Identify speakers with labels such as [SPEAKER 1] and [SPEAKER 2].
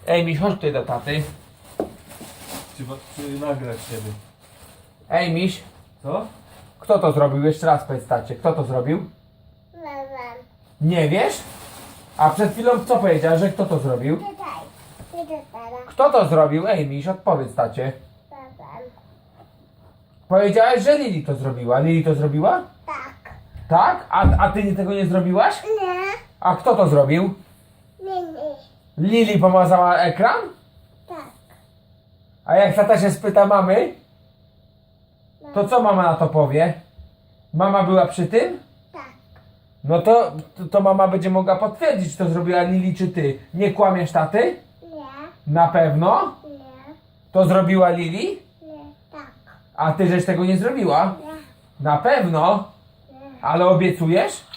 [SPEAKER 1] Ej, Miś, chodź tutaj do taty.
[SPEAKER 2] Czy nagrać ciebie?
[SPEAKER 1] Ej, Miś,
[SPEAKER 2] Co?
[SPEAKER 1] kto to zrobił? Jeszcze raz powiedz tacie, kto to zrobił?
[SPEAKER 3] Mama.
[SPEAKER 1] Nie wiesz? A przed chwilą co powiedziała, że kto to zrobił?
[SPEAKER 3] Tutaj. Idę teraz.
[SPEAKER 1] Kto to zrobił? Ej, Miś, odpowiedz tacie.
[SPEAKER 3] Mama.
[SPEAKER 1] Powiedziałeś, że Lili to zrobiła. Lili to zrobiła?
[SPEAKER 3] Tak.
[SPEAKER 1] Tak? A ty tego nie zrobiłaś?
[SPEAKER 3] Nie.
[SPEAKER 1] A kto to zrobił?
[SPEAKER 3] Nie.
[SPEAKER 1] Lili pomazała ekran?
[SPEAKER 3] Tak.
[SPEAKER 1] A jak tata się spyta mamy, to co mama na to powie? Mama była przy tym?
[SPEAKER 3] Tak.
[SPEAKER 1] No to mama będzie mogła potwierdzić, czy to zrobiła Lili, czy ty. Nie kłamiesz taty?
[SPEAKER 3] Nie.
[SPEAKER 1] Na pewno?
[SPEAKER 3] Nie.
[SPEAKER 1] To zrobiła Lili?
[SPEAKER 3] Nie. Tak.
[SPEAKER 1] A ty żeś tego nie zrobiła?
[SPEAKER 3] Nie.
[SPEAKER 1] Na pewno?
[SPEAKER 3] Nie.
[SPEAKER 1] Ale obiecujesz?